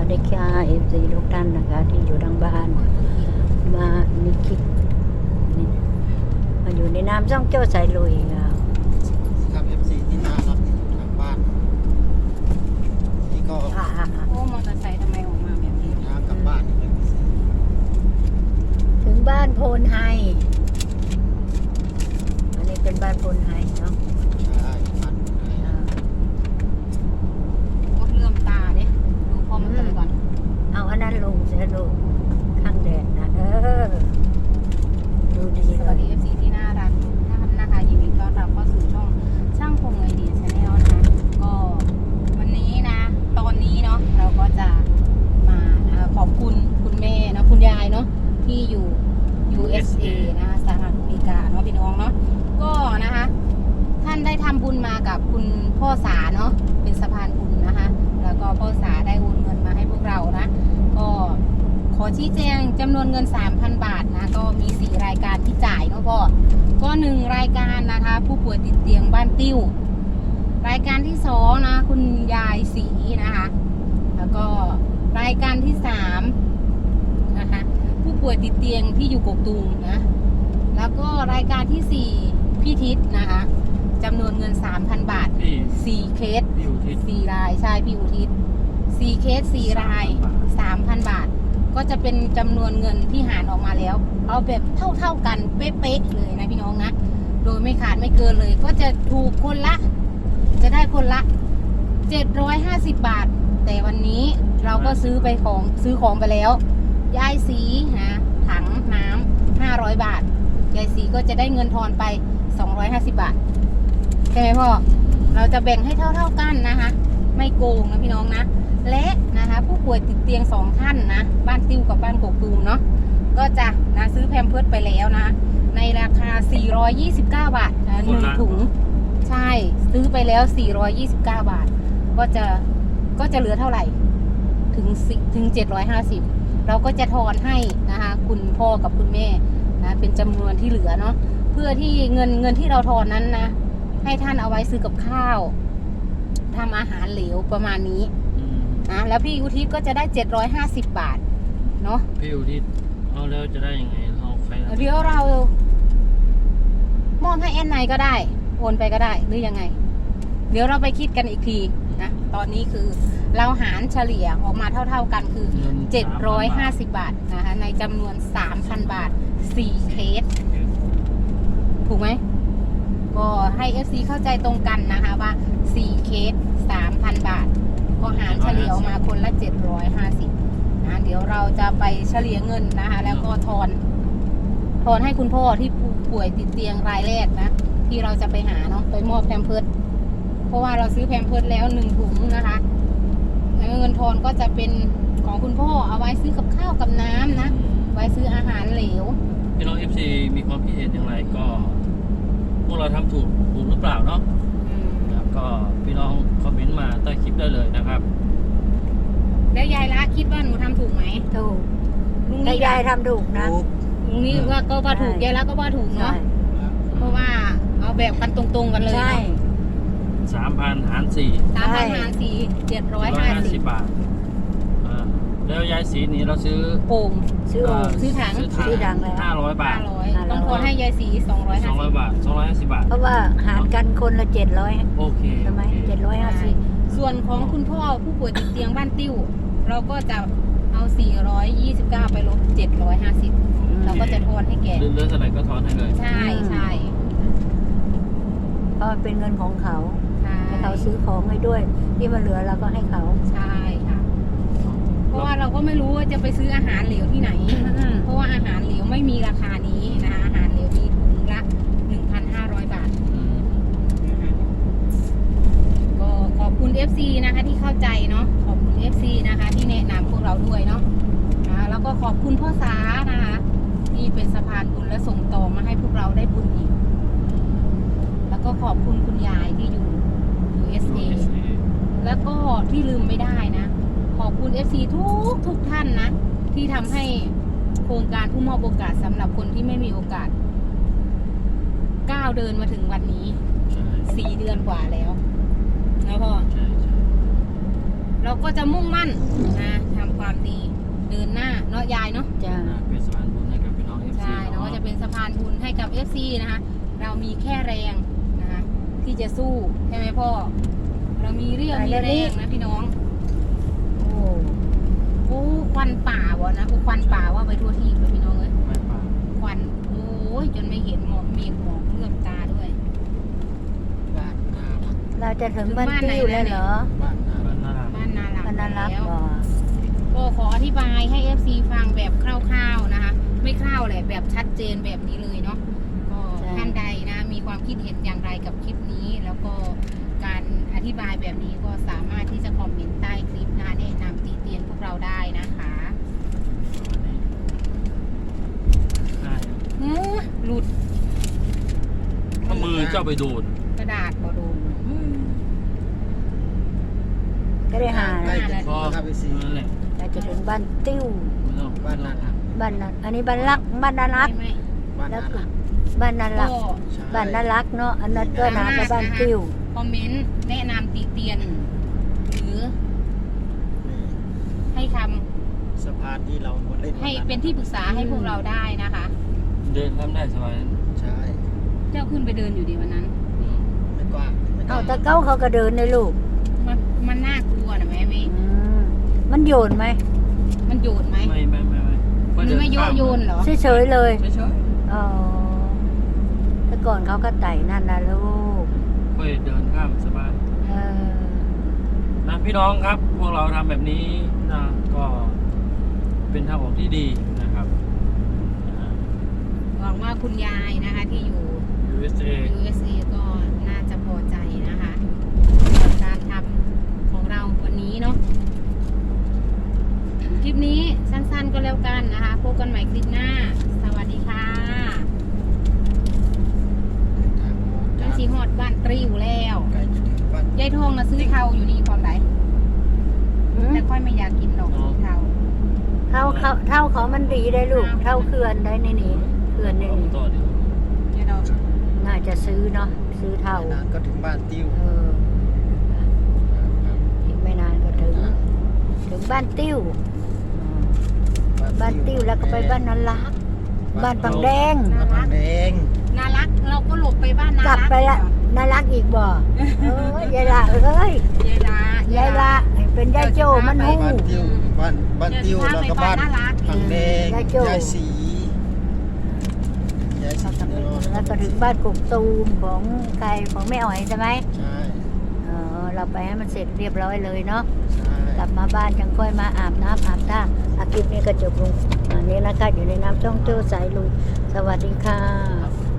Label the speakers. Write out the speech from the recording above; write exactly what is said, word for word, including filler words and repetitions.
Speaker 1: ดีค่ะเอฟซีทุกท่านนะคะที่อยู่ทางบ้านมานี่คิดนี่มาอยู่ในน้ำช่องเจ้าสายลุยค่ะ
Speaker 2: ครับ เอฟ ซี ที่น่ารักที่อยู่ทางบ้านนี่ก็
Speaker 1: อ่า
Speaker 3: โอ้มอเตอร์ไซค์ทำไมออกมาแบบนี้
Speaker 2: ทางกลับบ้านนี่เป็นพิเศษ
Speaker 1: ถึงบ้านโพนไฮอันนี้เป็นบ้านโพนไฮเนาะ
Speaker 2: ใช่บ้านไหน
Speaker 1: อ่า
Speaker 3: โอ้เลื่อมตาเนี่ยดูพ่อมันกันก่อน
Speaker 1: เอาอันนั้นลงเสียลูกข้างแดดนะเออดูดี
Speaker 3: ส
Speaker 1: เล
Speaker 3: วัส
Speaker 1: ย
Speaker 3: ดี เอฟ ซี ที่น่ารักทุกท่านนะคะยินดีต้อนรับเข้าสู่ช่องช่างพงไอเดียชาแนลนะคะก็วันนี้นะ ตอนนี้เนาะเราก็จะมานะคะขอบคุณคุณแม่เนาะคุณยายเนาะที่อยู่ ยู เอส เอ นะคะสหรัฐอเมริกาเนาะพี่น้องเนาะก็นะคะท่านได้ทำบุญมากับคุณพ่อสาเนาะเป็นสะพานบุญนะคะแล้วก็พ่อสาได้โอนเงินมาให้พวกเรานะก็ขอชี้แจงจำนวนเงิน สามพัน บาทนะก็มีสี่รายการที่จ่ายเนาะพ่อก็หนึ่งรายการนะคะผู้ป่วยติดเตียงบ้านติ้วรายการที่สองนะคุณยายศรีนะคะแล้วก็รายการที่สามนะคะผู้ป่วยติดเตียงที่อยู่กกตูมนะแล้วก็รายการที่สี่พี่ทิศนะคะจำนวนเงิน สามพัน บาท
Speaker 4: พี่
Speaker 3: สี่เคส
Speaker 4: พี่อุทิศ
Speaker 3: สี่รายใช่พี่อุทิศสี่เคสสี่ราย สามพัน บาทก็จะเป็นจำนวนเงินที่หารออกมาแล้วเอาแบบเท่าเท่ากันเป๊ะๆเลยนะพี่น้องนะโดยไม่ขาดไม่เกินเลยก็จะถูกคนละจะได้คนละเจ็ดร้อยห้าสิบบาทแต่วันนี้เราก็ซื้อไปของซื้อของไปแล้วยายสีนะถังน้ำห้าร้อยบาทยายสีก็จะได้เงินทอนไปสองร้อยห้าสิบบาทใช่ไหมพ่อเราจะแบ่งให้เท่าเท่ากันนะคะไม่โกงนะพี่น้องนะและนะคะผู้ป่วยติดเตียงสองท่านนะบ้านติ้วกับบ้านกกตูมเนาะก็จะนะซื้อแพมเพิร์สไปแล้วนะในราคาสี่ร้อยยี่สิบเก้าบาทนะหนึ่งถุงใช่ซื้อไปแล้วสี่ร้อยยี่สิบเก้าบาทก็จะก็จะเหลือเท่าไหร่ถึงถึงเจ็ดร้อยห้าสิบเราก็จะทอนให้นะคะคุณพ่อกับคุณแม่นะเป็นจำนวนที่เหลือเนาะเพื่อที่เงินเงินที่เราทอนนั้นนะให้ท่านเอาไว้ซื้อกับข้าวทำอาหารเหลวประมาณนี้นะแล้วพี่อุทิศก็จะได้เจ็ดร้อยห้าสิบบาทเนาะ
Speaker 4: พี่อุทิศเอาแล้วจะได้ยังไงเราใคร
Speaker 3: เดี๋ยวเรามอบให้แอนไนก็ได้โอนไปก็ได้หรือยังไงเดี๋ยวเราไปคิดกันอีกทีนะตอนนี้คือเราหารเฉลี่ยออกมาเท่าๆกันคือเจ็ดร้อยห้าสิบบาทนะคะในจำนวน สามพัน บาทสี่เคสถูกไหมก็ให้ เอฟ ซี เข้าใจตรงกันนะคะว่าสี่เคส สามพัน บาทก็หารเฉลี่ยออกมาคนละเจ็ดร้อยห้าสิบนะเดี๋ยวเราจะไปเฉลี่ยเงินนะคะแล้วก็ทอนทอนให้คุณพ่อที่ป่วยติดเตียงรายแรกนะที่เราจะไปหาเนาะไปมอบแพมเพิร์สเพราะว่าเราซื้อแพมเพิร์สแล้วหนึ่งถุงนะคะเงินทอนก็จะเป็นของคุณพ่อเอาไว้ซื้อกับข้าวกับน้ำนะไว้ซื้ออาหารเหลว
Speaker 4: พี่น้อง เอฟ ซี มีความคิดเห็นอย่างไรก็พวกเราทำถูกถูกหรือเปล่าเนาะแล้วก็พี่น้องคอมเมนต์มาใต้คลิปได้เลยนะครับ
Speaker 3: แล้วยายละคิดว่าหนูทำถูกไหม
Speaker 1: ถูก
Speaker 3: ลุง
Speaker 1: แต่
Speaker 3: นี่
Speaker 1: ยายทำถูกนะ
Speaker 3: ลุงนี่ว่าก็ว่าถูกยายละก็ว่าถูกเนาะเพราะว่าเอาแบบกันตรงๆกันเลย
Speaker 1: ใช่
Speaker 4: สามพันหารสี่
Speaker 3: สามพันหารสี่เจ็ดร้อยห้าสิบบ
Speaker 4: าทอ่าแล้วยายสีนี้เราซื้อ
Speaker 3: โป่ง
Speaker 1: ซื้อ
Speaker 4: เอ่อ
Speaker 3: ซื้อถัง
Speaker 4: ซื้อถัง
Speaker 1: ซื้อถังแล้ว
Speaker 4: ห้าร้อยบา
Speaker 3: ห้า
Speaker 4: ท
Speaker 3: ร้อยต้องทอนให้ยายสีสองร้อย
Speaker 4: ส
Speaker 3: ห้า
Speaker 4: องร้
Speaker 3: สิ
Speaker 4: อย
Speaker 3: บบ
Speaker 4: าทสองร้อยห้าสิบบาท
Speaker 1: เพราะว่าหารกันคนละเจ็ดร้อย
Speaker 4: โอเค
Speaker 1: ใช่ไหม
Speaker 4: โอเค
Speaker 1: เจ็ดร้อยห้าสิบ
Speaker 3: ส่วนของคุณพ่อผู้ป่วยติดเตียงบ้านติ้วเราก็จะเอาสี่ร้อยยี่สิบเก้าไปลบเจ็ดร้อยห้าสิบเราก็จะทอนให้แก
Speaker 4: เหลือเท่าไหร่ก็ทอนให้เลย
Speaker 3: ใช่ใช่
Speaker 1: เพราะมันเป็นเงินของเขา
Speaker 3: ใช่
Speaker 1: ให้เขาซื้อของให้ด้วยที่มันเหลือเราก็ให้เขา
Speaker 3: ใช่ค่ะเพราะว่าเราก็ไม่รู้ว่าจะไปซื้ออาหารเหลวที่ไหน เพราะว่าอาหารเหลวไม่มีราคานี้นะคะอาหารเหลวมีถุงละ หนึ่งพันห้าร้อย บาทนะคะก็ขอบคุณ เอฟ ซี นะคะที่เข้าใจเนาะขอบคุณ เอฟ ซี นะคะที่แนะนำพวกเราด้วยเนาะนะแล้วก็ขอบคุณพ่อสานะคะที่เป็นสะพานบุญและส่งต่อมาให้พวกเราได้บุญอีกแล้วก็ขอบคุณคุณยายที่อยู่ ยู เอส เอ แล้วก็ที่ลืมไม่ได้นะขอบคุณ เอฟ ซี ทุกทุกท่านนะที่ทำให้โครงการผู้มอบโอกาสสำหรับคนที่ไม่มีโอกาสก้าวเดินมาถึงวันนี้สี่เดือนกว่าแล้วนะพ่อ
Speaker 4: ใช่ใช่
Speaker 3: เราก็จะมุ่งมั่นนะทำความดีเดินหน้าเนาะยายเนาะ
Speaker 1: จ้า
Speaker 4: เป็นสะพานบุญให้กับพี่น้อง เอฟ ซี
Speaker 3: ใช่เนาะจะเป็นสะพานบุญให้กับ เอฟ ซี นะคะ เรามีแค่แรงนะคะที่จะสู้ใช่ไหมพ่อ เรามีเรี่ยวมีแรงนะพี่น้อง
Speaker 1: โอ้
Speaker 3: โอ้ควันป่าวะนะโอ้ควันป่าว่าไปทั่วที่เลยพี่น้องเอ้ย
Speaker 4: ไม่ป่า
Speaker 3: ควันโอ้ยจนไม่เห็นหมอกเมฆหมอกเลือดตาด้วย
Speaker 2: บ้านนารัก
Speaker 1: เราจะถึงบ้านติ้วแล้วเหรอ
Speaker 2: บ้านนา
Speaker 4: บ้า
Speaker 2: รั
Speaker 4: น
Speaker 2: ก
Speaker 4: นารา
Speaker 3: บ้านนาหลัง
Speaker 1: บ้านนารัก
Speaker 3: แล้ว
Speaker 1: บ่
Speaker 3: ก็ขออธิบายให้ เอฟ ซี ฟังแบบคร่าวๆนะคะ ไม่คร่าวแหละแบบชัดเจนแบบนี้เลยเนาะก็ท่านใดนะมีความคิดเห็นอย่างไรกับคลิปนี้ แล้วก็การอธิบายแบบนี้ก็สามารถที่จะคอมเมนต์ใต้คลิปนะแนะนำติเตียนพวกเราได้นะคะ
Speaker 4: ใช่
Speaker 3: เฮ้อหลุด
Speaker 4: ถ้ามือเจ้าไปโดน
Speaker 3: กระดาษบอดูม
Speaker 1: ก็ได้หา
Speaker 2: ใกล้
Speaker 1: นะ
Speaker 2: จะถึงแล้วครับเอฟซี
Speaker 4: นั่นแหละ
Speaker 1: เราจะถึงบ้านติ้ว
Speaker 4: ไม่ต้อง
Speaker 2: บ้านนารัก
Speaker 1: บ้านนั้นอันนี้บ้านรักบ้านนารัก
Speaker 3: ไม่ไม่
Speaker 2: บ้าน
Speaker 1: แล้ว
Speaker 2: นา
Speaker 1: ก็
Speaker 2: รัก
Speaker 1: บ้านนารัก
Speaker 3: ก็
Speaker 2: ใช่
Speaker 1: บ้านนารักเนาะอันนั้นก็นาก็บ้านติ้ว
Speaker 3: คอมเมนต์แนะนำติเตียน หรือ
Speaker 2: นี่
Speaker 3: ให้ค
Speaker 2: สะพานที่เรามาเล่น
Speaker 3: ำให้เป็นที่ปรึกษาให้พวกเราได้นะคะ
Speaker 4: เดินข้ามได้สบาย
Speaker 2: ใช่
Speaker 3: เจ้าขึ้นไปเดินอยู่ดีวันนั้น
Speaker 4: อืม
Speaker 2: ไม่กว้างไม่ก
Speaker 1: เอา
Speaker 2: ว้าง
Speaker 1: ตะเก้าเขาก็เดินในลูก
Speaker 3: มันมันน่ากลัวนะแม่เมย์
Speaker 1: อืมมันโยนไหม
Speaker 3: มันโยนไหม
Speaker 4: ไม่ไม่ไม่ไม่
Speaker 3: หรือไม่โยนโยนเหรอ
Speaker 1: เฉยๆเลย
Speaker 4: ไม่ใช่
Speaker 1: อ๋อแต่ก่อนเขาก็ไต่นั่นนะลูก
Speaker 4: ค่อยเดินข้ามสบาย
Speaker 1: เออ
Speaker 4: นะพี่น้องครับ พวกเราทำแบบนี้นะก็เป็นทางออกที่ดีนะครับอ่า
Speaker 3: หวังว่าคุณยายนะคะที่อยู่
Speaker 4: ยู เอส เอ
Speaker 3: ยู เอส เอ ก็น่าจะพอใจนะคะกับการทำของเราวันนี้เนาะคลิปนี้สั้นๆก็แล้วกันนะคะพบกันใหม่คลิปหน้า สวัสดีค่ะ
Speaker 2: ทางออก
Speaker 3: นั่
Speaker 2: จาน ก
Speaker 3: สีหอดบ้านตริวแล้ว
Speaker 2: ใกล้จะถึงบ้าน
Speaker 3: ยายทองนะซื้อเทาอยู่นี่ความไหน
Speaker 1: หืม
Speaker 3: แต่ค่อยไม่อยากกินดอกซื้อเทา
Speaker 1: เท่าเขาเท่าเขามันดีได้ลูก เท่าเขื่อนได้ในนี้เขื่อนในนี้
Speaker 4: ต่อเดี๋ยว
Speaker 3: เดี๋ยวเรา
Speaker 1: น่าจะซื้อเนาะซื้อเท่า
Speaker 2: ไม่นานก็ถึงบ้านติ้ว
Speaker 1: เออ
Speaker 2: ครับ
Speaker 1: อีกไม่นานก็ถึง ถึงบ้านติ้วบ้านติ้วแล้วก็ไปบ้านนันลัก บ้านปังแดง
Speaker 2: บ้านปังแดง
Speaker 3: น่ารักเราก็หลบไปบ้านน่าก
Speaker 1: ลับ
Speaker 3: รัก
Speaker 1: ไปละนันลักอีกบ่เอ้ยยายละเอ้ย
Speaker 3: ยายละ
Speaker 1: ยายละเป็นยายโจมันหู้
Speaker 2: บ้านติ้วบ้านบ้านติ้วแล้วก็บ้าน
Speaker 3: น่ารัก
Speaker 2: ปังแดง
Speaker 1: ยายโจ้
Speaker 2: ยายสียายสี
Speaker 1: เขาทำ
Speaker 2: แน่
Speaker 1: ไป
Speaker 2: นอน
Speaker 1: แล้วก็ถึงบ้านกกตูมของใครของแม่อ๋อยใช่ไหม
Speaker 2: ใช่
Speaker 1: เออเราไปให้มันเสร็จเรียบร้อยเลยเนาะ
Speaker 2: ใช่
Speaker 1: กลับมาบ้านยังค่อยมาอาบน้ำอาบท่าอาคลิปนี้ก็จบลงอันนี้นะคะอยู่ในน้ำจ้องเจ้าสายลุยสวัสดีค่ะ